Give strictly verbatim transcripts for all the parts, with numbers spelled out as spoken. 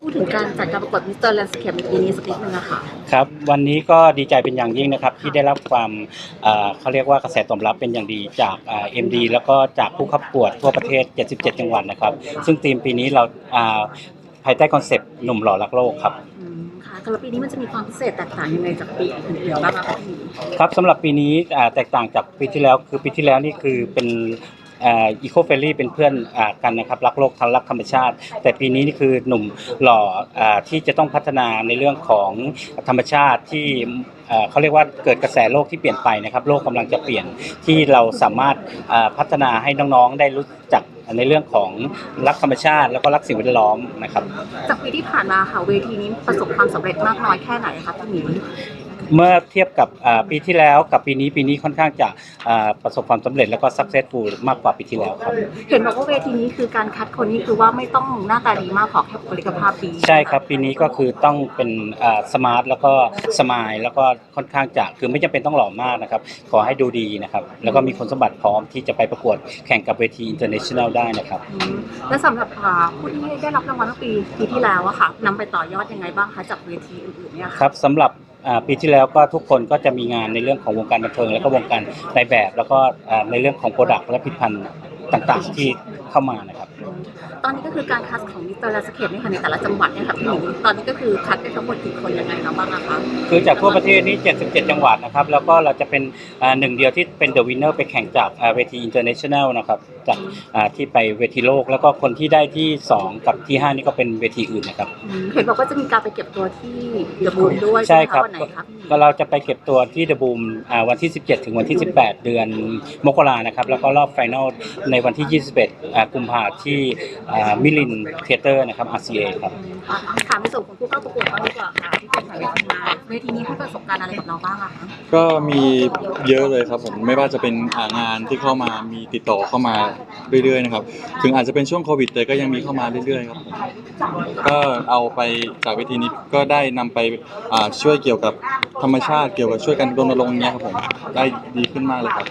ดถึงการจัดการประกวดมิสเตอร์แลนด์สเคปในปีนี้สักนิดนึงอะค่ะครับวันนี้ก็ดีใจเป็นอย่างยิ่งนะครับที่ได้รับความเอ่อเขาเรียกว่ากระแสตอบรับเป็นอย่างดีจากเอ็มดีแล้วก็จากผู้เข้าประกวดทั่วประเทศเจ็ดสิบเจ็ดจังหวัดนะครับซึ่งธีมปีนี้เราอ่าภายใต้คอนเซปต์หนุ่มหล่อรักโลกครับอืมค่ะสำหรับปีนี้มันจะมีความพิเศษแตกต่างยังไงจากปีอื่นๆบ้างคะพี่ครับสำหรับปีนี้อ่าแตกต่างจากปีที่แล้วคือปีที่แล้วนี่คือเป็นอีโคเฟรนลี่เป็นเพื่อนอ่ากันนะครับรักโลกทั้งรักธรรมชาติแต่ปีนี้นี่คือหนุ่มหล่ออ่าที่จะต้องพัฒนาในเรื่องของธรรมชาติที่เอ่อเขาเรียกว่าเกิดกระแสโลกที่เปลี่ยนไปนะครับโลกกำลังจะเปลี่ยนที่เราสามารถอ่าพัฒนาให้น้องๆได้รู้จักในเรื่องของรักธรรมชาติแล้วก็รักสิ่งแวดล้อมนะครับจากปีที่ผ่านมาค่ะเวทีนี้ประสบความสำเร็จมากน้อยแค่ไหนคะพี่หมีเมื่อเทียบกับปีที่แล้วกับปีนี้ปีนี้ค่อนข้างจะประสบความสำเร็จแล้วก็ successful มากกว่าปีที่แล้วครับเห็นบอกว่าเวทีนี้คือการคัดคนนี่คือว่าไม่ต้องหน้าตาดีมากขอแค่บุคลิกภาพดีใช่ครับปีนี้ก็คือต้องเป็นสมาร์ทแล้วก็สมายแล้วก็ค่อนข้างจะคือไม่จำเป็นต้องหล่อมากนะครับขอให้ดูดีนะครับแล้วก็มีคุณสมบัติพร้อมที่จะไปประกวดแข่งกับเวที international ได้นะครับและสำหรับผู้ที่ได้รับรางวัลเมื่อปีปีที่แล้วอะค่ะนำไปต่อยอดยังไงบ้างคะจากเวทีอื่นๆเนี่ยครับสำหรับปีที่แล้วก็ทุกคนก็จะมีงานในเรื่องของวงการบันเทิงแล้วก็วงการในแบบแล้วก็ในเรื่องของโปรดักต์และผลิตภัณฑ์ต่างๆที่เข้ามานะครับตอนนี้ก็คือการคัดของมิสเตอร์แลนด์สเคปเนี่ยค่ะในแต่ละจังหวัดเนี่ยค่ะพี่หนูตอนนี้ก็คือคัดได้ทั้งหมดกี่คนยังไงนะบ้างคะคือจากทั่วประเทศนี้เจ็ดสิบเจ็ดจังหวัดนะครับแล้วก็เราจะเป็นหนึ่งเดียวที่เป็นเดอะวินเนอร์ไปแข่งจากเวที international นะครับจากที่ไปเวทีโลกแล้วก็คนที่ได้ที่สองกับที่ห้านี่ก็เป็นเวทีอื่นนะครับเห็นบอกว่าจะมีการไปเก็บตัวที่เดอะบูมด้วยใช่ครับวันไหนครับก็เราจะไปเก็บตัวที่เดอะบูมวันที่สิบเจ็ดถึงวันที่สิบแปดเดือนมกรานะครับแล้วก็รอบไฟนอลในวันที่ยี่สิบเอ็ดกุมภาพันธ์ที่มิลินเทเตอร์นะครับ อาร์ ซี เอ ครับถามในส่วนของผู้เข้าประกวดบ้างดีกว่าค่ะที่เป็นสายงานเวทีนี้ให้ประสบการณ์อะไรกับเราบ้างคะก็มีเยอะเลยครับผมไม่ว่าจะเป็นงานที่เข้ามามีติดต่อเข้ามาเรื่อยๆนะครับถึงอาจจะเป็นช่วงโควิดแต่ก็ยังมีเข้ามาเรื่อยๆครับผมก็เอาไปจากเวทีนี้ก็ได้นำไปช่วยเกี่ยวกับธรรมชาติเกี่ยวกับช่วยกันรณรงค์เนี้ยครับผมได้ดีขึ้นมากเลยครับ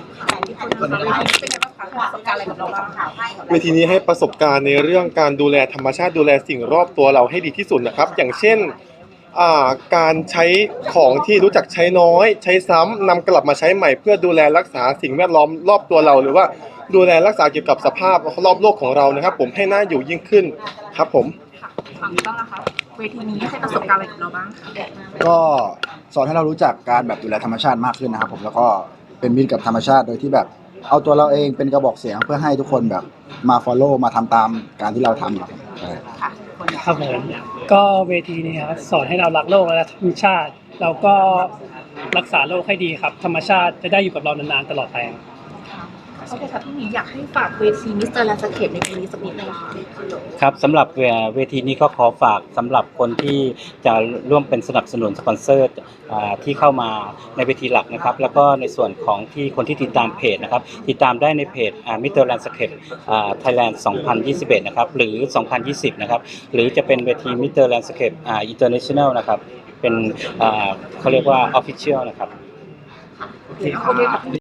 เวทีนี้ให้ประสบการณ์ในเรื่องการดูแลธรรมชาติดูแลสิ่งรอบตัวเราให้ดีที่สุดนะครับอย่างเช่นการใช้ของที่รู้จักใช้น้อยใช้ซ้ำนำกลับมาใช้ใหม่เพื่อดูแลรักษาสิ่งแวดล้อมรอบตัวเราหรือว่าดูแลรักษาเกี่ยวกับสภาพรอบโลกของเรานะครับผมให้น่าอยู่ยิ่งขึ้นครับผมฝั่งนี้บ้างนะคะเวทีนี้ให้ประสบการณ์อะไรกับเราบ้างก็สอนให้เรารู้จักการแบบดูแลธรรมชาติมากขึ้นนะครับผมแล้วก็เป็นมิตรกับธรรมชาติโดยที่แบบเอาตัวเราเองเป็นกระบอกเสียงเพื่อให้ทุกคนแบบมา follow มาทำตามการที่เราทำครับครับผมก็เวทีนี้ครับสอนให้เรารักโลกและธรรมชาติแล้วก็รักษาโลกให้ดีครับธรรมชาติจะได้อยู่กับเรานานๆตลอดไปโอเคค่ะพี่หมีอยากให้ฝากเวทีมิสเตอร์แลนด์สเคปในปีนี้สักนิดนึงครับสำหรับเวทีนี้ก็ขอฝากสำหรับคนที่จะร่วมเป็นสนับสนุนสปอนเซอร์ที่เข้ามาในเวทีหลักนะครับแล้วก็ในส่วนของที่คนที่ติดตามเพจนะครับติดตามได้ในเพจมิสเตอร์แลนด์สเคปไทยแลนด์สองพันยี่สิบเอ็ดนะครับหรือสองพันยี่สิบนะครับหรือจะเป็นเวทีมิสเตอร์แลนด์สเคปอินเตอร์เนชั่นแนลนะครับเป็นเขาเรียกว่าออฟฟิเชียลนะครับ